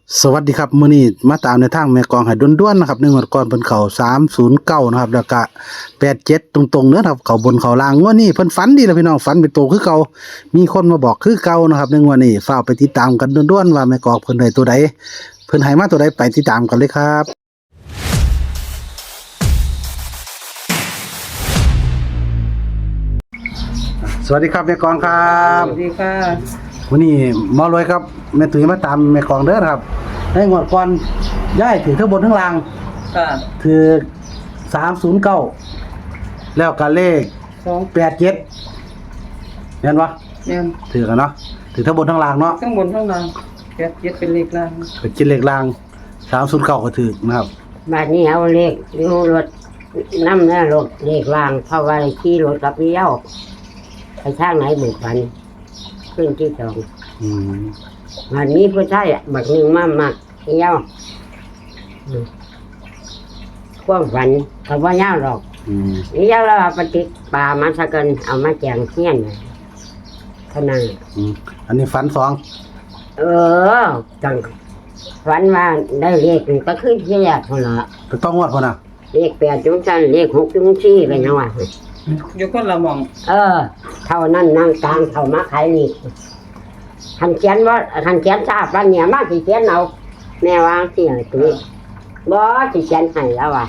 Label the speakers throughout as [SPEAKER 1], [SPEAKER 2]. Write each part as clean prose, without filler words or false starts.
[SPEAKER 1] สวัสดีครับมื้อนี้มาตามในทางแม่กองให้ด้วนๆนะครับ1งวดก่อนเพิ่นเข้า309นะครับแล้วก็87ตรงๆเด้อครับเข้าบนเข้าล่างงวดนี้เพิ่นฝันดีแล้วพี่น้องฝันเป็นโตคือเก่ามีคนมาบอกคือเก่านะครับในงวดนี้ฟ้าวไปติดตามกันด้วนๆว่าแม่กองเพิ่นได้ตัวใดเพิ่นให้มาตัวใดไปติดตามกันเลยครับสวัสดีครับแม่กองครับ
[SPEAKER 2] สวัสดีค่ะ
[SPEAKER 1] วันนี้หมอรวยครับแม่ตุ้ยมาตามแม่กองเด้อครับในงวดก่อนย้ายถือทั้งบนทั้งล่าง
[SPEAKER 2] ค่ะ
[SPEAKER 1] ถือ309แล้วก็เลข
[SPEAKER 2] 2
[SPEAKER 1] 87เห็นปะ
[SPEAKER 2] เนี่ย
[SPEAKER 1] ถือกันเนาะถือทั้งบนทั้งล่างเนาะ
[SPEAKER 2] ข้างบนข้างล่างเจ็ดเป็นเลขล่าง
[SPEAKER 1] ก็กินเลขล่าง309ก็ถือนะครับ
[SPEAKER 3] บาดนี้เอาเลขดูรถน้ำหน้ารถเลขล่างเพราะว่าขี่รถกับเลี้ยวไปทางไหนบุกพันขึ้นที่สอง
[SPEAKER 1] อืม
[SPEAKER 3] วันนี้ผู้ชายบักหนึ่งมามักเลี้ยวความฝันกับว่าเย้าหรอก
[SPEAKER 1] อืม
[SPEAKER 3] เลี้ยวแล้วเอาปฏิปลามาสักกันเอามาแจงเฮี้ยนน่ะเท่านั้น
[SPEAKER 1] อืมอันนี้ฝันสอง
[SPEAKER 3] จังฝันว่าได้เลขหนึ่งก็ขึ้นที่แรกคนละ
[SPEAKER 1] ไปต้องงวดพุ่นน่ะ
[SPEAKER 3] เลข8จุงจันเลข6จุง4ไปนะว่า
[SPEAKER 2] อยู่คนละหมอง
[SPEAKER 3] เท่านั้นนั่งกลางเท่ามาขายนี่ทันเขียนว่าทันเขียนทราบว่าเนี่ยมาสิเขียนเอาแม่วางที่ไหนตัวนี้บ่สิเขียนให้แล้วว่ะ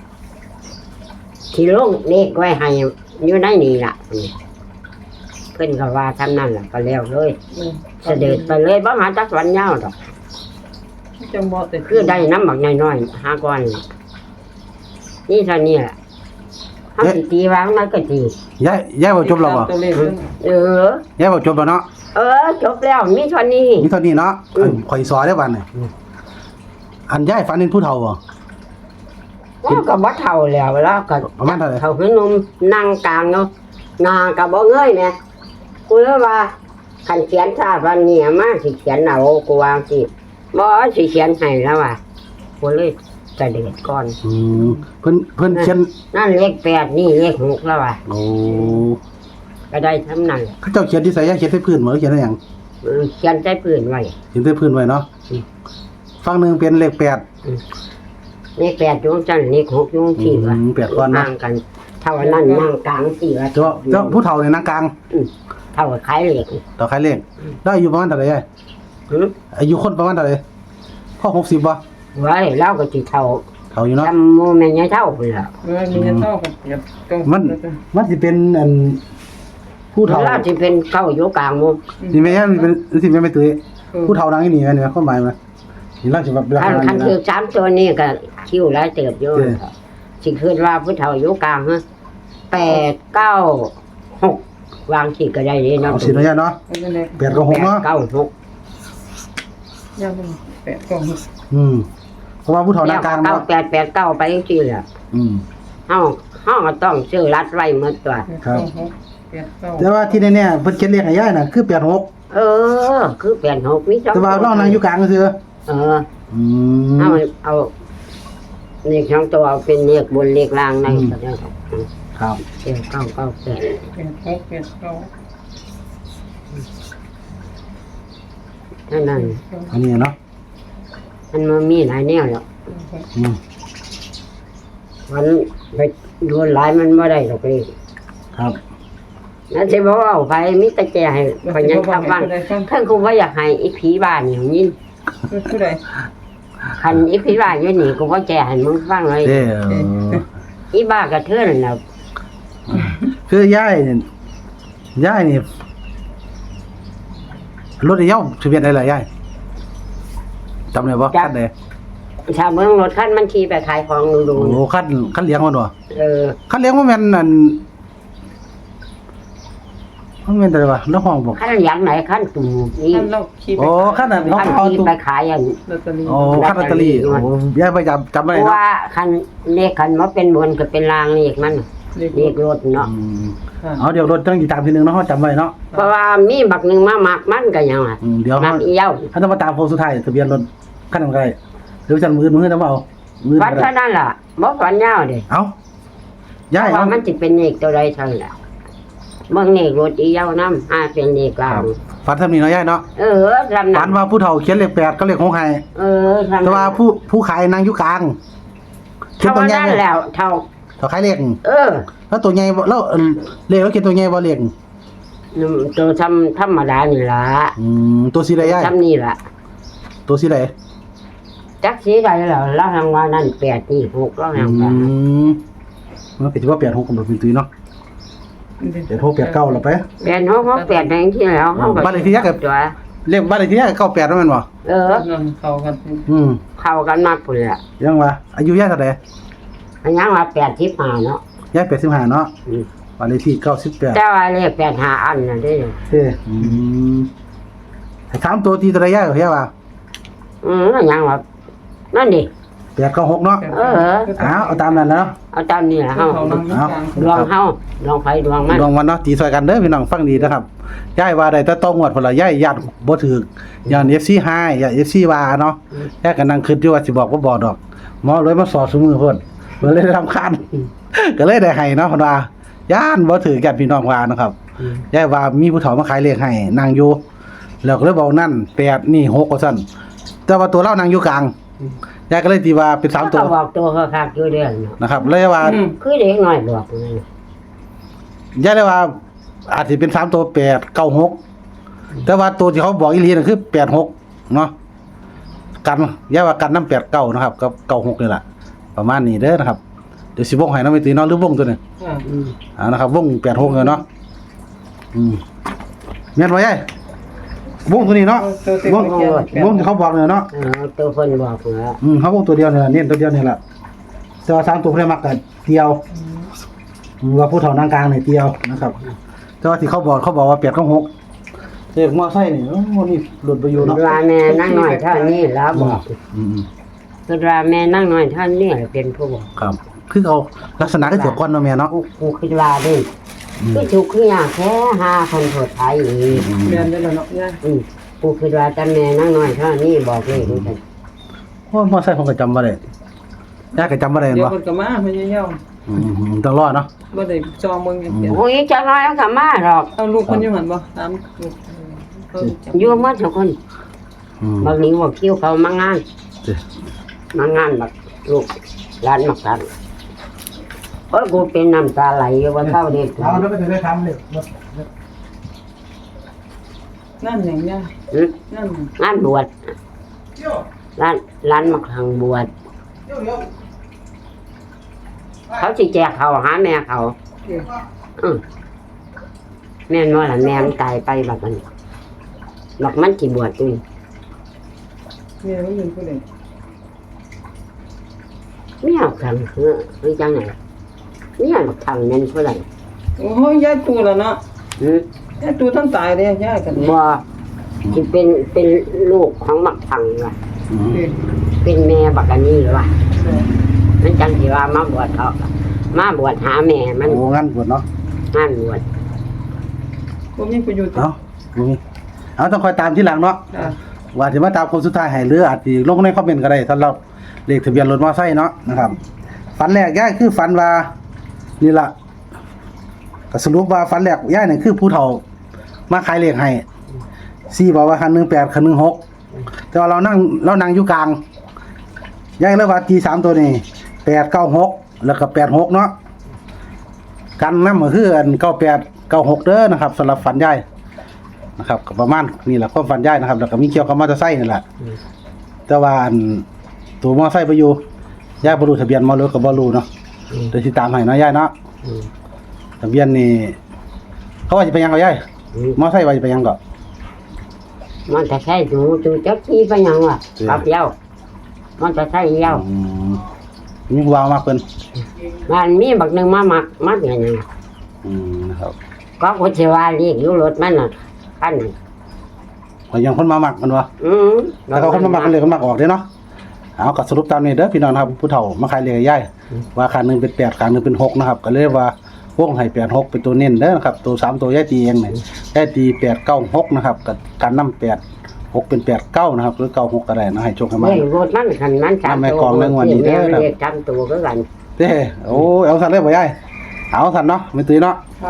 [SPEAKER 3] ที่ลงเลขไว้ให้อยู่ในนี่ล่ะเพิ่นก็ว่าทำนั่นล่ะก็แล้วเลยเสด็จไปเลยบ่หาจักวันยาวดอก
[SPEAKER 2] จังบ่แต่
[SPEAKER 3] คือได้น้ำบักน้อยๆ5ก้อนนี่เท่านี้ล่ะเฮาสิตีวางมันก็ตี
[SPEAKER 1] ย้ายบ่จบแล้วบ่
[SPEAKER 2] ตัวเลข
[SPEAKER 3] เออ
[SPEAKER 1] ย้ายบ่จบแล้วเนาะ
[SPEAKER 3] จบแล้วมีเท่านี้
[SPEAKER 1] มีเท่านี้เนาะข่อยสอได้บัดนี่อันย้ายฝันเป็นผู้เฒ่าบ่
[SPEAKER 3] แล้วก็บ่เท่าแล้วแล้วก็
[SPEAKER 1] ประมาณเท่าไหร่
[SPEAKER 3] เท่าคือหนุ่มนั่งกลางเนาะหน้าก็บ่เงยแหม่กูเลยว่าคันเขียนทราบว่าเนี่ยมาสิเขียนเอากูวางสิบ่สิเขียนให้แล้วว่ะกูเลยจะเด็ดก่อน
[SPEAKER 1] อืมเพิ่นเขียน
[SPEAKER 3] นั่นเลข8นี่เลข6แล้วว่ะ
[SPEAKER 1] โอ้
[SPEAKER 3] ก็ได้ทำนั่นแหละ
[SPEAKER 1] เขาเจ้าเขียนที่ใส่ยาเขียนใส่พื้นบ่หรือเขียนอะไรหยัง
[SPEAKER 3] เขียนใส่ปืนไว้
[SPEAKER 1] เขียนใส่พื้นไว้เนาะ
[SPEAKER 3] อืม
[SPEAKER 1] ฝั่งหนึงเป็นเลข8
[SPEAKER 3] เลข8จุงจันเลข6จุงสี่ว่ะ
[SPEAKER 1] แปดก้อนเนาะ
[SPEAKER 3] ห่างกันเท่านั้นนั่งกลางสี่ว่ะ
[SPEAKER 1] เจ้าผู้เฒ่าในนางกลาง
[SPEAKER 3] เท่ากับขายเหล็ก
[SPEAKER 1] ต่อใครเลขได้อายุประมาณเท่าไหร่ยาย
[SPEAKER 3] หือ
[SPEAKER 1] อายุคนประมาณเท่าไหร่พ่อ60บ่
[SPEAKER 3] ไว้แล้วก็สิเท่า
[SPEAKER 1] เฒ่าอยู่เนาะ
[SPEAKER 3] จำโมแม่นยายเท่าพุ่นล่ะ
[SPEAKER 2] มีเงินเท่ากันเจ็ดตรง
[SPEAKER 1] มันสิเป็นอันผู้เฒ่า
[SPEAKER 3] แล้วสิเป็นเข้าอยู่กลางหมู่
[SPEAKER 1] สิแม่นเป็นสิแม่นไม่ตื้อผู้เฒ่าดังนี่แม่นเนี่ยความหมายมันนี่เราสิแบบลักษ
[SPEAKER 3] คัน
[SPEAKER 1] ณะ
[SPEAKER 3] คื
[SPEAKER 1] นี้
[SPEAKER 3] อ
[SPEAKER 1] นะ
[SPEAKER 3] สามตัวนี้ก็คิวหลายเติบอยู่
[SPEAKER 1] เออ
[SPEAKER 3] สิคิดว่าผู้เฒ่าอยู่กลางฮะ8 9 6วางสิก็ได้เด้เนาะ
[SPEAKER 1] เอาสิเนาะยายเนาะ
[SPEAKER 2] เลข
[SPEAKER 1] 8กับ6เนาะ
[SPEAKER 3] 9 6
[SPEAKER 2] ยาวแปดกล่อง
[SPEAKER 1] เพราะว่าผู้เฒ่านางกลาง
[SPEAKER 3] 9
[SPEAKER 1] เนาะ
[SPEAKER 3] 8 8 9ไปจังซี่แหละ
[SPEAKER 1] อืม
[SPEAKER 3] เฮาก็ต้องซื้อรัดไว้หมดตัว
[SPEAKER 1] ครับ
[SPEAKER 2] แปดเก้า
[SPEAKER 1] แต่ว่าที่แน่ๆเพิ่นเขียนเลขให้ยายน่ะคือ86
[SPEAKER 3] คือ8 6มี2
[SPEAKER 1] แต่ว่าเรานั่งอยู่กลางซื่อ
[SPEAKER 3] เออ
[SPEAKER 1] อืม
[SPEAKER 3] เอาเลข2ตัวเอาเป็นเลขบนเลขล่างในก็ได้ครับ
[SPEAKER 1] ครับ
[SPEAKER 3] เก้าเก้าเก้าแปด
[SPEAKER 2] แปดหกแปดเก้า
[SPEAKER 3] นั่นนั่น
[SPEAKER 1] อันนี้เนาะ
[SPEAKER 3] มันมามีหลายแนวแล้ว
[SPEAKER 1] อืม
[SPEAKER 3] มันไปดูหลายมันไม่ได้หรอกเลย
[SPEAKER 1] ครับ
[SPEAKER 3] นั่นสิบอกเอาไปมิตรแจให้พยังทำบ้านเพิ่นคงว่าอยากให้อีผีบ้านอย่างนี้
[SPEAKER 2] ผู้ใด
[SPEAKER 3] คันอีผีบ้านอยู่นี่กูว่าแจให้มึงฟังเลย
[SPEAKER 1] เด้อ
[SPEAKER 3] อีบ้ากระเทือนน่ะ
[SPEAKER 1] คือยายนี่รถเย้าทะเบียนอะไรล่ะยายจำได้บ่คันใด
[SPEAKER 3] ชาวเมืองรถคันมันขี่ไปขายของดู
[SPEAKER 1] โอ้คันเลี้ยงมันบ่ คันเลี้ยงบ่แม่นอันมันแม่นอะไรวะน้องห้องบอก
[SPEAKER 3] คันอย่างไหนคันตู่นี่
[SPEAKER 2] ท่านเราขี่ไป
[SPEAKER 1] โอ้คันนั้นน้อง
[SPEAKER 3] คัน
[SPEAKER 1] เอา
[SPEAKER 3] ขี่
[SPEAKER 1] ตุ๊
[SPEAKER 3] ไปขายอัน
[SPEAKER 2] ลอตเตอรี่
[SPEAKER 1] โอ้คันลอตเตอรี่โอ้ยายไปจำไม่
[SPEAKER 3] เพ
[SPEAKER 1] ได้
[SPEAKER 3] ราะ
[SPEAKER 1] เนาะ
[SPEAKER 3] ว่าคันเลขคันว่าเป็นบนก็เป็นรางเลขมันเลขรถเนาะ
[SPEAKER 1] อืมเอาเดี๋ยวรถต้องอีกตามทีนึงเนาะเฮาจำไว้เนาะ
[SPEAKER 3] เพราะว่ามีบักหนึ่งมามักมันก็ยังอ่ะ
[SPEAKER 1] เดี๋ยว
[SPEAKER 3] มั
[SPEAKER 1] เฮาก
[SPEAKER 3] อีเย้า
[SPEAKER 1] ถ้าต้องมาตามโค้งสุดท้ายทะเบียนรถคันนั้นก็ได้หรือจันมือต้องเอามือ
[SPEAKER 3] ฝัน
[SPEAKER 1] ก็ได้
[SPEAKER 3] เท่านั้นล่ะบ่ฝันยาวเด้
[SPEAKER 1] เอา
[SPEAKER 3] เพ
[SPEAKER 1] ยาย
[SPEAKER 3] ราะ
[SPEAKER 1] เอา
[SPEAKER 3] ว่ามันสิเป็นเลขตัวใดเท่านั้นล่ะเบิ่งเลขรถอีเหย้านำเป็นเลขกลาง
[SPEAKER 1] ฝันทำนี่เนาะยายเนาะ
[SPEAKER 3] จำ
[SPEAKER 1] ฝั
[SPEAKER 3] นั้น
[SPEAKER 1] นว่าผู้เฒ่าเขียนเลข8ก็เลข6ให้
[SPEAKER 3] จำ
[SPEAKER 1] แต่ว่าผู้ขายนั่งอยู่กลางเขียน
[SPEAKER 3] เท่า
[SPEAKER 1] ตัวใหญ่
[SPEAKER 3] นั้นแล้วเท่า
[SPEAKER 1] เขาขายเลข
[SPEAKER 3] เ
[SPEAKER 1] แล้วตัวใหญ่บ่แล้วเลขแล้วเขียนตัวใหญ่บ่เลข
[SPEAKER 3] ตัวธรรมดานี่ล่ะ
[SPEAKER 1] ตัวสีใดยาย
[SPEAKER 3] จำนี่ล่ะ
[SPEAKER 1] ตัวสีใด
[SPEAKER 3] จักสีใดแล้วเราทำว่านั่น8นี่6เราทำว่า
[SPEAKER 1] มันเป็นว่า8 6กับเป็นตุ้ยเนาะ8 6 8 9แล้วไป
[SPEAKER 3] 8 6 6 8แดงที่แล้วเฮาก็
[SPEAKER 1] บ้านเลขที่ยายกับ
[SPEAKER 3] ตัว
[SPEAKER 1] เลขบ้านเลขที่ยาย98นั่นแม่นบ่
[SPEAKER 2] นั่นเข้ากัน
[SPEAKER 3] เข้ากันมากพุ่นล่ะ
[SPEAKER 1] ยังว่าอายุยายเท่าใด
[SPEAKER 3] อันยังว่า85เนาะ
[SPEAKER 1] ยาย85เนาะบ้านเลขที่98
[SPEAKER 3] แต่ว่าเลข85อันน่ะเด้
[SPEAKER 1] ให้ถามตัวตีตัวใดยายเหรอว่า
[SPEAKER 3] อันยังว่านั่นดิ
[SPEAKER 1] 8 9 6เนาะเอาตามนั้นแล้ว
[SPEAKER 3] เอาตามนี่ล่ะเฮา
[SPEAKER 2] เข้านั่งกลาง
[SPEAKER 3] ดวงเฮาดวงไฟดวงมัน
[SPEAKER 1] ดวงวันเนาะตีซอยกันเด้อพี่น้องฟังดีนะครับยายว่าได้แต่ต้องงวดพุ่นล่ะยายญาติบ่ถูกย้อน FC หายอย่า FC ว่าเนาะยายก็นั่งคิดอยู่ว่าสิบอกบ่บอกดอกหมอเลยมาสอดซุมือเพิ่นเพิ่นเลยได้รำคาญก็เลยได้ให้เนาะเพิ่นว่าย่านบ่ถือญาติพี่น้องว่านะครับยายว่ามีผู้เฒ่ามาขายเลขให้นั่งอยู่แล้วก็เลยบอกนั่น8นี่6ว่าซั่นแต่ว่าตัวเรานั่งอยู่กลางยายก็เลยตีว่าเป็น3ตัว
[SPEAKER 3] ก็บอกตัวคักๆอยู่เด้อเนาะ
[SPEAKER 1] นะครับเลยว่า
[SPEAKER 3] คือเด็กน้อยบอกนั่น
[SPEAKER 1] ยายเลยว่าอาจสิเป็น3ตัว8 9 6แต่ว่าตัวที่เขาบอกอีหลีนั่นคือ8 6เนาะกันยายว่ากันนำ8 9นะครับกับ9 6นี่แหละประมาณนี้เด้อนะครับเดี๋ยวสิวงให้เนาะไม่ตีเนาะหรือวงตัวนึงนะครับวง8 6เลยเนาะแม่นบ่ยายวงตัวนี้เนาะวงที่เขาบอกเนี่ยเนาะ
[SPEAKER 3] ตัวเพิ่นบอกเนาะ
[SPEAKER 1] เขาวงตัวเดียวเนี่ยเน้นตัวเดียวนี่แหละแต่ว่า3ตัวเพิ่นมักก็เดียวว่าผู้เฒ่านางกลางเนี่ยเดียวนะครับแต่ว่าที่เขาบอกว่า8 9 6เลขมอไซค์นี่โอ้นี่หลุดไปอยู่เนาะ
[SPEAKER 3] ว่าแม่นั่งน้อยเท่านี้แล้วบอกคือว่าแม่นั่งน้อยเท่านี้เป็นผู้บอก
[SPEAKER 1] ครับคือเอาลักษณะก็เสียก่อนเนาะแม่เนาะ
[SPEAKER 3] กูคิดว่าเด้คือถูกคืออย่างแค่5,000โทษไทยอีก
[SPEAKER 2] เรียนได้แล้วเนาะย่า
[SPEAKER 3] กูคิดว่าแต่แม่นั่งน้อยเท่านี้บอกเลยดูซั่น
[SPEAKER 1] โอ้มอไซค์ผมก็จำบ่ได้ยายก็จำบ่ได้
[SPEAKER 2] เดี๋ยว
[SPEAKER 1] บ่
[SPEAKER 2] เพิ่นก็มาพยายาม
[SPEAKER 1] ต้องรอเนาะ
[SPEAKER 2] บ่ได้จองเบิ่งอย่างเดียว
[SPEAKER 3] โอ้ยจักน้อยก็มาหรอก
[SPEAKER 2] เอาลูกเพิ่นอยู่หั่นบ่ตามลูก
[SPEAKER 3] อยู่หมดทุกคนบางนี้ว่าคิวเขามางานแบบลูกร้านมักกันโอ้ยกูเป็นน้ำตาไหลอยู่ว่าเท่าเด็ก
[SPEAKER 1] เอาแล้วไปถึงได้ทำเลย
[SPEAKER 2] นั่นหยังย่านั่น
[SPEAKER 3] งานบวชร้านมักทางบวชเขาสิแจกเขาหาแม่เขาแม่นว่าล่ะแม่มันตายไปแบบนั้นบอกมันสิบวชอยู่
[SPEAKER 2] แม่มันเป็นผู้ใด
[SPEAKER 3] ไม่เอาทางคือจังไหนเนี่ยบอกทางนั้นเท่าไหร่
[SPEAKER 2] โอ้ยยายตูแล้วเนาะยายตูท่านตายเลยยายกัน
[SPEAKER 3] บ่ที่เป็นลูกของบักทางว่ะเป็นแม่บักอันนี้หรือวะมันจังสิว่ามาบวชเขามาบวชหาแม่มัน
[SPEAKER 1] โอ้งั้นบวชเนาะ
[SPEAKER 3] งานบวช
[SPEAKER 2] บ่มีประโยชน์
[SPEAKER 1] เอาต้องคอยตามที่หลังเนาะว่าสิมาตามคนสุดท้ายให้หรืออาจสิลงในคอมเมนต์ก็ได้สำหรับเลขทะเบียนรถมอไซค์เนาะนะครับฝันแรกย่ายคือฝันว่านี่ล่ะก็สรุปว่าฝันแรกย่ายนี่คือผู้เฒ่ามาขายเลขให้4บอกว่าคัน18คัน16แต่ว่าเรานั่งอยู่กลางย่ายเลยว่าตี3ตัวนี้8 9 6แล้วก็8 6เนาะกันนำก็คืออัน98 96เด้อนะครับสำหรับฝันย่ายนะครับก็ประมาณนี่แหละความฝันย่ายนะครับแล้วก็มีเกี่ยวกับมอเตอร์ไซค์นี่แหละแต่ว่าอันตัวมอไซค์ไปอยู่ย่ายบ่รู้ทะเบียนมอรถก็บ่รู้เนาะเดี๋ยวสิตามให้เนาะย่ายเนาะทะเบียนนี่เขาว่าสิไปยังก็ย่ายมอไซค์ว่าสิไปยังก็
[SPEAKER 3] มันจะใช่หนูจูจักที่ไปยังวะกับเย้ามันจะใช่เย้า
[SPEAKER 1] มีผู้ว่ามาเพิ่น
[SPEAKER 3] มันมีบักหนึงมามักอย่างนี้
[SPEAKER 1] นะครับ
[SPEAKER 3] ก็กูสิว่าเรียกอยู่รถมันน่ะคันนั้น
[SPEAKER 1] ก็ยังคนมามักมันวะแล้วเขาคนมามักกันเลยคนมักออกเด้เนาะเอาก็สรุปตามนี้เด้อพี่น้องนะครับผู้เฒ่ามาขายเลขให้ย่ายว่าคันนึงเป็น8คันนึงเป็น6นะครับก็เลยว่าวงให้8 6เป็นตัวเน้นเด้อนะครับตัว3ตัวย่ายตีเองนี่ย่ายตี8 9 6นะครับกับการนำ8 6เป็น8 9นะครับหรือ9 6ก็ได้นะให้โชคให้มา
[SPEAKER 3] เฮ้ยรถมันคันมัน3ตัวแม่เรียก3ตัวคือกัน
[SPEAKER 1] เด้โอ้เอาสั่นเลยบ่ย่ายเอาสั่นเนาะไม่ตื่นเนาะ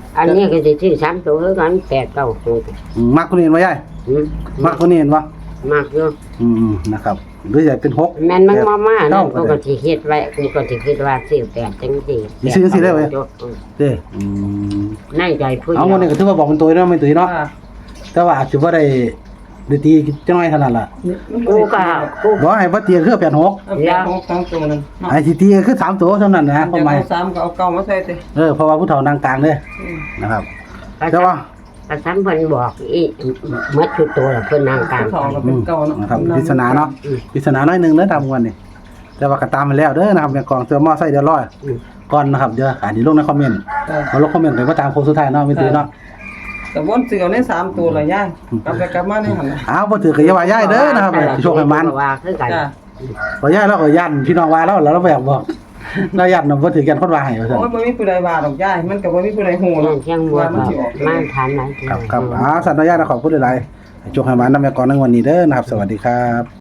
[SPEAKER 3] อันนี้ก็สิซื้อ3ตัวคือกัน8 9 6
[SPEAKER 1] มักคนนี้เห็นบ่ยาย
[SPEAKER 3] อืม
[SPEAKER 1] มักคนนี้เห็นบ่
[SPEAKER 3] มากอยู่
[SPEAKER 1] นะครับหรืออยากเป็น6
[SPEAKER 3] แม่นมันมา
[SPEAKER 1] เก้
[SPEAKER 3] นะกูก็สิคิดไว้กูก็สิคิดว่าซื้อ8จังซี่
[SPEAKER 1] สิซื้อจังซี่ได้เว้ย เด้
[SPEAKER 3] ในใจผู้
[SPEAKER 1] เอาวันนี้ก็ถือว่าบอกเป็นตัวเนาะไม่ตื่นเนาะแต่ว่าอาจจะบ่ได้ตีจังน้อยเท่านั้นล่ะ
[SPEAKER 3] กูก็กู
[SPEAKER 1] บ่ให้บ่ตีคือ86
[SPEAKER 2] แล้วทั้งตัวนึง
[SPEAKER 1] ไอ้สิตีคือ3ตัวเท่านั้นนะความหมาย
[SPEAKER 2] สามก็เอาเก่ามาใส่ติ
[SPEAKER 1] เพราะว่าผู้เฒ่านางกลางเด้นะครับแต่ว่า
[SPEAKER 3] ประสานเพิ่นบอกอีหมดชุดตัวแล้วเพิ่นนางกลาง
[SPEAKER 2] ทองก็เป็นเก่าเนาะ
[SPEAKER 1] นะครับปริศนาเนาะปริศนาน้อยหนึงเด้อตามวันนี้แต่ว่าก็ตามไปแล้วเด้อนะครับแม่กองเสื้อมอไซค์เดี๋ยวรอก่อนนะครับเดี๋ยวอ่านลงในคอมเมนต์มาลงคอมเมนต์ไปว่าตามโค้งสุดท้ายเนาะไม่ตื่นเนาะ
[SPEAKER 2] แต่วนเสือใน3ตัวละย่างกลับไปกลับมาในหั่นน่ะ
[SPEAKER 1] อ้าวบ่ถือก็อย่าว่าย้ายเด้อนะครับโชคให้มัน
[SPEAKER 3] ว่าคือกัน
[SPEAKER 2] จ้า
[SPEAKER 1] บ่ย้ายแล้วก็ย่านพี่น้องว่าแล้วเราบ่อยากบอกเราย่านบ่ถือกันคนว่าให้ว่าซั่น
[SPEAKER 2] โอ้ยบ่มีผู้ใดว่าดอกย่ายมันก็บ่มีผู้ใดฮู้หร
[SPEAKER 3] เรื่
[SPEAKER 2] อ
[SPEAKER 3] อก งเชียงบัว
[SPEAKER 2] ว่ามัน
[SPEAKER 3] ก็
[SPEAKER 2] สิออก
[SPEAKER 3] มาทานไหน
[SPEAKER 1] ครับสัตว์น้อยญาติขอบคุณหลายๆให้โชคให้มันนำแม่กองในวันนี้เด้อนะครับสวัสดีครับ